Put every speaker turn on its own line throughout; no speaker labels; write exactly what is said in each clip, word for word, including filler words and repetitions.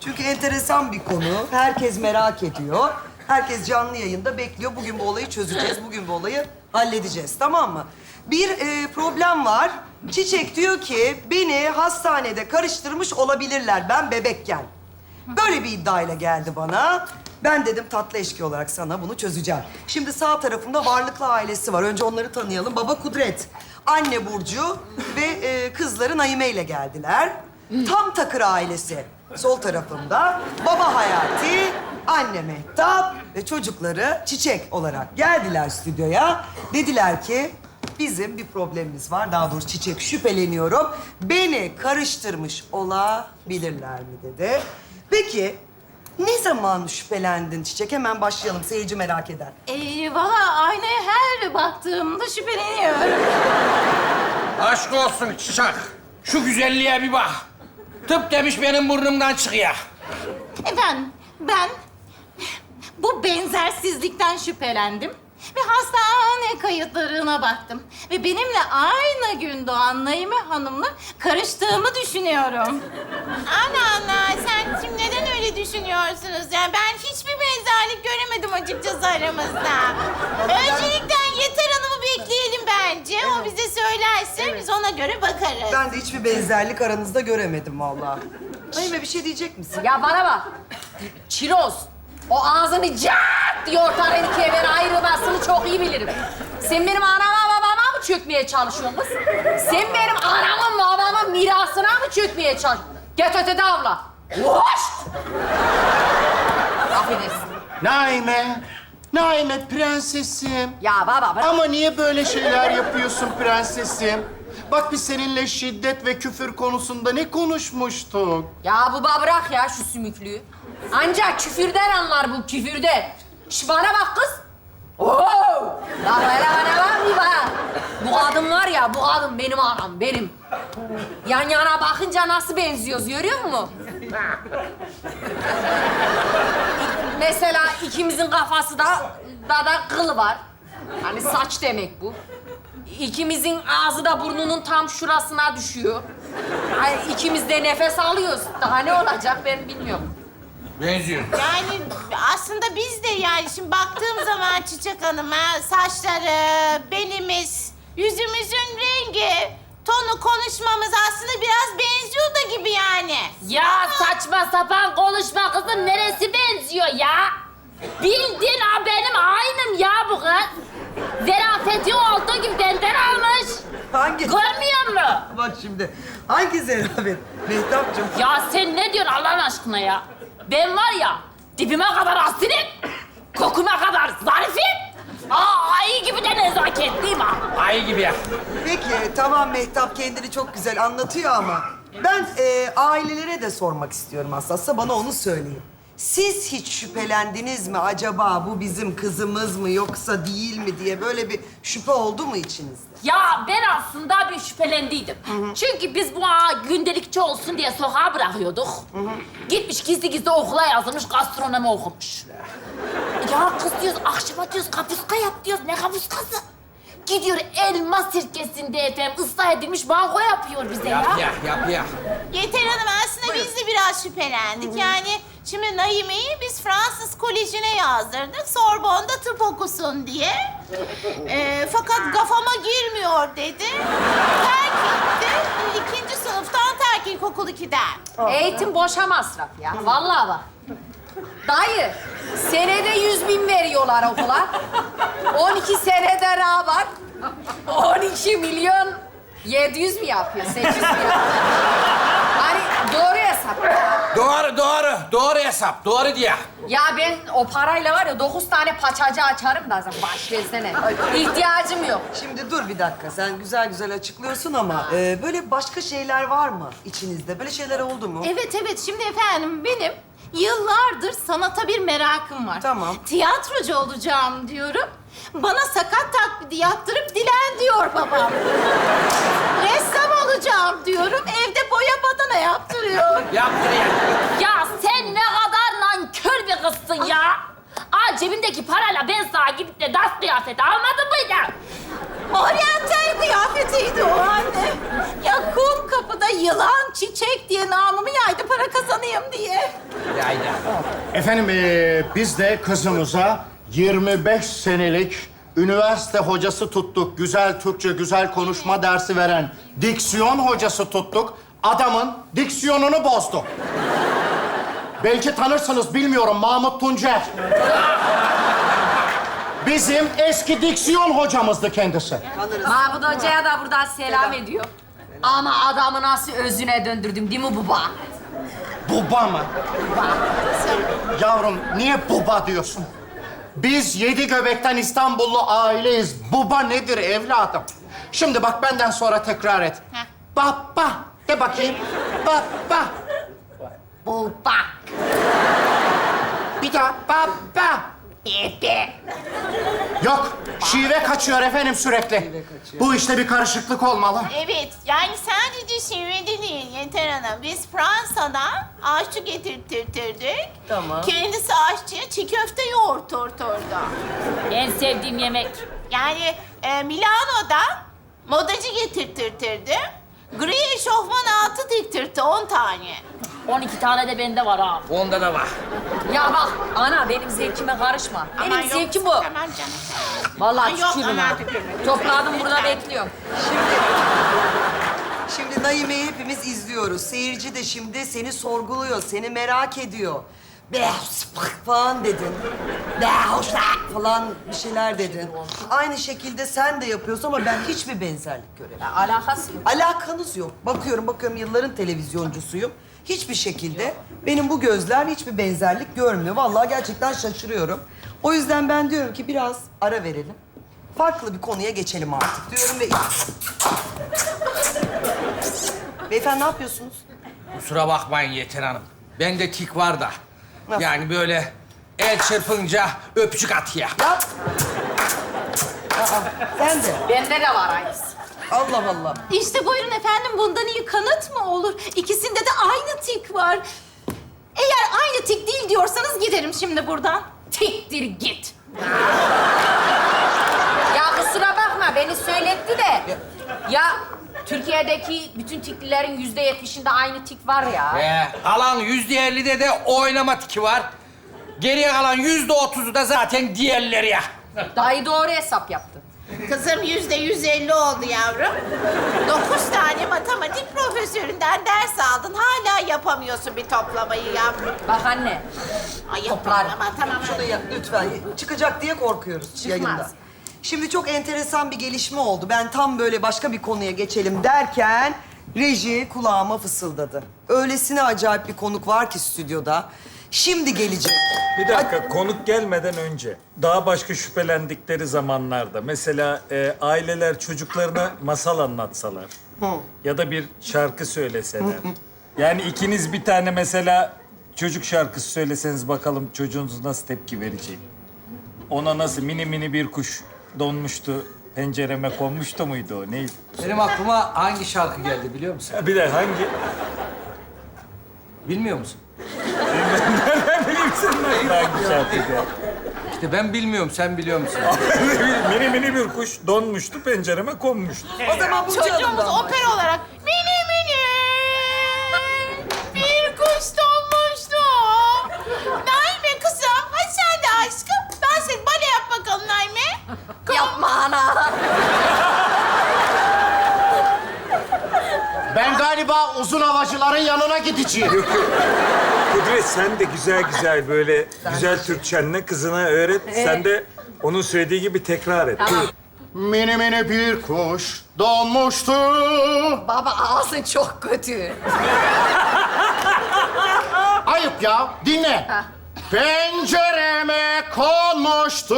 Çünkü enteresan bir konu. Herkes merak ediyor. Herkes canlı yayında bekliyor. Bugün bu olayı çözeceğiz. Bugün bu olayı halledeceğiz. Tamam mı? Bir e, problem var. Çiçek diyor ki beni hastanede karıştırmış olabilirler ben bebekken. Böyle bir iddiayla geldi bana. Ben dedim tatlı eşki olarak sana bunu çözeceğim. Şimdi sağ tarafımda Varlıklı ailesi var. Önce onları tanıyalım. Baba Kudret, anne Burcu ve e, kızları Naime ile geldiler. Tam Takır ailesi sol tarafımda. Baba Hayati, anne Mehtap ve çocukları Çiçek olarak geldiler stüdyoya. Dediler ki bizim bir problemimiz var. Daha doğrusu Çiçek şüpheleniyorum. Beni karıştırmış olabilirler mi dedi. Peki ne zaman şüphelendin Çiçek? Hemen başlayalım. Seyirci merak eder.
Ee, valla aynaya her baktığımda şüpheleniyorum.
Aşk olsun Çiçek. Şu güzelliğe bir bak. Tıp demiş benim burnumdan çıkıyor.
Efendim, ben bu benzersizlikten şüphelendim. Ve hastane kayıtlarına baktım. Ve benimle aynı gün doğan Naime Hanım'la karıştığımı düşünüyorum.
Ana ana sen şimdi neden öyle düşünüyorsunuz? Yani ben hiçbir benzerlik göremedim açıkçası aramızda. Öncelikle Yeter Hanım'ı bekleyelim bence. O bize söylerse biz ona göre bakarız.
Ben de hiçbir benzerlik aranızda göremedim vallahi. Naime bir şey diyecek misin?
Ya bana bak. Çiroz. O ağzını cart diye ortadan ikiye ben ayrılmasını çok iyi bilirim. Sen benim anama babama mı çökmeye çalışıyorsun kız? Sen benim anamın babamın mirasına mı çökmeye çalışıyorsun? Get ötede avla. Hoş! Affedersin.
Naime, Naime prensesim.
Ya baba bırak.
Ama niye böyle şeyler yapıyorsun prensesim? Bak biz seninle şiddet ve küfür konusunda ne konuşmuştuk?
Ya baba bırak ya şu sümüklüğü. Ancak küfürden anlar bu, küfürden. Şş bana bak kız. Oo! La böyle bana bak bir bak. Bu kadın var ya, bu kadın benim anam, benim. Yan yana bakınca nasıl benziyoruz, görüyor musun? Mesela ikimizin kafası da, da da kılı var. Hani saç demek bu. İkimizin ağzı da burnunun tam şurasına düşüyor. Ay, ikimiz de nefes alıyoruz. Daha ne olacak ben bilmiyorum.
Benziyor.
Yani aslında biz de yani şimdi baktığım zaman Çiçek Hanım'a saçları, belimiz, yüzümüzün rengi, tonu konuşmamız aslında biraz benziyor da gibi yani.
Ya saçma sapan konuşma kızım. Neresi benziyor ya? Bildin ha benim aynım ya bu kız. Zerafeti olduğu gibi benden almış.
Hangi?
Görmüyor musun?
Bak şimdi. Hangi zerafet? Mehtapcığım.
Ya sen ne diyorsun Allah'ın aşkına ya? Ben var ya dibime kadar asilim, kokuma kadar zarifim. Aa, ayı gibi de nezaketliyim ha.
Ayı gibi ya.
Peki tamam Mehtap kendini çok güzel anlatıyor ama ben e, ailelere de sormak istiyorum aslında. Bana onu söyleyin. Siz hiç şüphelendiniz mi acaba bu bizim kızımız mı yoksa değil mi diye böyle bir şüphe oldu mu içinizde?
Ya ben aslında bir şüphelendiydim. Çünkü biz bu ağa gündelikçi olsun diye sokağa bırakıyorduk. Gitmiş gizli gizli okula yazılmış, gastronomi okumuş. Ya kız diyoruz, akşama diyoruz kapuska yap diyoruz. Ne kapuskası? Gidiyor elma sirkesinde efendim ıslah edilmiş banko yapıyor bize ya.
Yap ya, yap ya.
Yeter Hanım aslında biz de biraz şüphelendik. Yani şimdi Naime'yi biz Fransız Koleji'ne yazdırdık. Sorbonne'da tıp okusun diye. Ee, fakat kafama girmiyor dedi. Terk etti. İkinci sınıftan terk ilkokul ikiden.
Eğitim boşa masraf ya. Vallahi bak. Dayı, senede yüz bin veriyorlar okula. On iki senede ne var? On iki milyon yedi yüz mi yapıyor? Sekiz mi yapıyor? Hani doğru hesap.
Doğru, doğru. Doğru hesap. Doğru diye.
Ya ben o parayla var ya dokuz tane paçacı açarım da sen baş versene. İhtiyacım yok.
Şimdi dur bir dakika. Sen güzel güzel açıklıyorsun ama e, böyle başka şeyler var mı içinizde? Böyle şeyler oldu mu?
Evet evet, şimdi efendim benim yıllardır sanata bir merakım var.
Tamam.
Tiyatrocu olacağım diyorum. Bana sakat taklidi yaptırıp dilen diyor babam. Ressam olacağım diyorum. Evde boya badana yaptırıyor.
Yaptır ya.
Ya sen ne kadar nankör bir kızsın ya. Aa cebimdeki parayla ben sana gidip de dans kıyafeti almadın mıydı?
Oryantal kıyafetiydi o anne. Ya kum kapıda yılan, çiçek diye namımı yaydı para kazanayım diye.
Yayla.
Efendim ee, biz de kızımıza yirmi beş senelik üniversite hocası tuttuk. Güzel Türkçe, güzel konuşma dersi veren diksiyon hocası tuttuk. Adamın diksiyonunu bozdu. Belki tanırsınız, bilmiyorum. Mahmut Tuncer. Bizim eski diksiyon hocamızdı kendisi.
Mahmut Hoca'ya da buradan selam ediyor. Ama adamı nasıl özüne döndürdüm değil mi baba?
Buba mı? Yavrum, niye buba diyorsun? Biz yedi göbekten İstanbullu aileyiz. Buba nedir evladım? Şimdi bak, benden sonra tekrar et.
Heh.
Baba de bakayım. Baba.
Baba.
Bir daha baba.
Bebe.
Yok, şive kaçıyor efendim sürekli. Bu işte bir karışıklık olmalı.
Evet, yani sadece şivede değil Yeter Hanım. Biz Fransa'dan aşçı getirtirtirdik.
Tamam.
Kendisi aşçıya çiğ köfte yoğurturturdu.
En sevdiğim yemek.
Yani e, Milano'dan modacı getirtirtirdi. Gri eşofman altı diktirtti, on tane.
on iki tane de bende var ha.
Onda da var.
Ya bak ana benim zevkime karışma. Benim
Aman yok,
zevkim bu.
Tamam canım.
Vallahi
Ay yok,
tükürüm
aman
ha.
tükürme.
Topladım burada bekliyorum.
Şimdi Naime'yi hepimiz izliyoruz. Seyirci de şimdi seni sorguluyor, seni merak ediyor. Be falan dedin. Be falan bir şeyler dedin. Aynı şekilde sen de yapıyorsun ama ben hiçbir benzerlik göremiyorum.
Ya, alakası yok.
Alakanız yok. Bakıyorum, bakıyorum yılların televizyoncusuyum. Hiçbir şekilde benim bu gözler hiçbir benzerlik görmüyor. Vallahi gerçekten şaşırıyorum. O yüzden ben diyorum ki biraz ara verelim. Farklı bir konuya geçelim artık diyorum ve... Beyefendi ne yapıyorsunuz?
Kusura bakmayın Yeter Hanım. Bende tik var da.
Nasıl?
Yani böyle el çırpınca öpücük atıyor.
Yap. Aa, sen de.
Bende de var aynısı.
Allah Allah.
İşte buyurun efendim, bundan iyi kanıt mı olur? İkisinde de aynı tik var. Eğer aynı tik değil diyorsanız giderim şimdi buradan.
Tiktir git. Ya kusura bakma beni söyletti de. Ya Türkiye'deki bütün tiklilerin yüzde yetmişinde aynı tik var ya.
Ee, kalan yüzde ellide de oynama tiki var. Geriye kalan yüzde otuzu da zaten diğerleri ya.
Dayı doğru hesap yaptı.
Kızım yüzde yüz elli oldu yavrum. Dokuz tane matematik profesöründen ders aldın. Hala yapamıyorsun bir toplamayı yavrum.
Bak anne.
Ay
Toplar.
yapma ama tamam.
Şunu yap lütfen. Çıkacak diye korkuyoruz yayında. Şimdi çok enteresan bir gelişme oldu. Ben tam böyle başka bir konuya geçelim derken reji kulağıma fısıldadı. Öylesine acayip bir konuk var ki stüdyoda. Şimdi gelecek.
Bir dakika, konuk gelmeden önce daha başka şüphelendikleri zamanlarda mesela e, aileler çocuklarına masal anlatsalar ya da bir şarkı söyleseler. Yani ikiniz bir tane mesela çocuk şarkısı söyleseniz bakalım çocuğunuz nasıl tepki verecek? Ona nasıl mini mini bir kuş donmuştu, pencereme konmuştu muydu o? Neydi?
Benim aklıma hangi şarkı geldi biliyor musun?
Bir de hangi?
Bilmiyor musun?
Ne bileyim senin hangi şarkıydı?
İşte ben bilmiyorum, sen biliyor musun?
mini mini bir kuş donmuştu, pencereme konmuştu.
O zaman bu
Çocuğumuz
canımdan.
opera olarak mini mini bir kuş donmuştu. Naime kızım, hadi sen de aşkım. Ben seni bale yap bakalım Naime.
Yapma ana.
Ben galiba uzun havacıların yanına gideceğim.
Kudret sen de güzel güzel böyle güzel Türkçenle kızına öğret. Sen de onun söylediği gibi tekrar et.
Tamam.
Mini mini bir kuş donmuştu.
Baba ağzın çok kötü.
Ayıp ya, dinle.
Ha.
Pencereme konmuştu.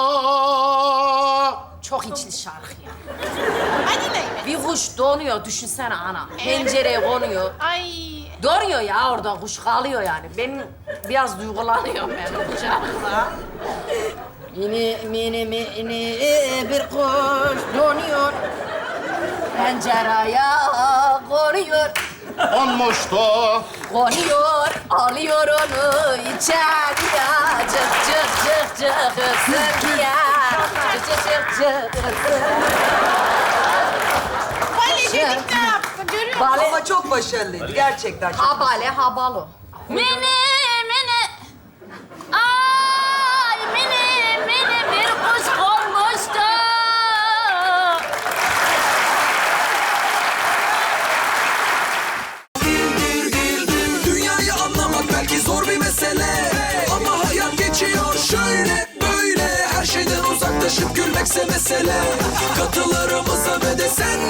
Çok içli şarkı ya.
Hadi Naime.
Bir kuş donuyor düşünsene ana. Pencereye konuyor.
Ay.
Donuyor ya orada kuş kalıyor yani. Ben biraz duygulanıyorum ben bu şarkıda. Mini mini mini bir kuş donuyor. Pencereye konuyor.
Konmuştu.
Konuyor, alıyor onu içeriye. Cık cık cık cık ısır ya. Cık cık cık cık ısır.
Bale dedik ne yaptık? Görüyor
Bale,
Ama çok başarılıydı. Gerçekten çok.
habale, habalo.
Mini, mini. Ay mini, mini bir kuş konmuştu.
Dünyayı anlamak belki zor bir mesele, ama hayat geçiyor şöyle böyle. Her şeyden uzaklaşıp gülmekse mesele. Katılarımıza ve de sen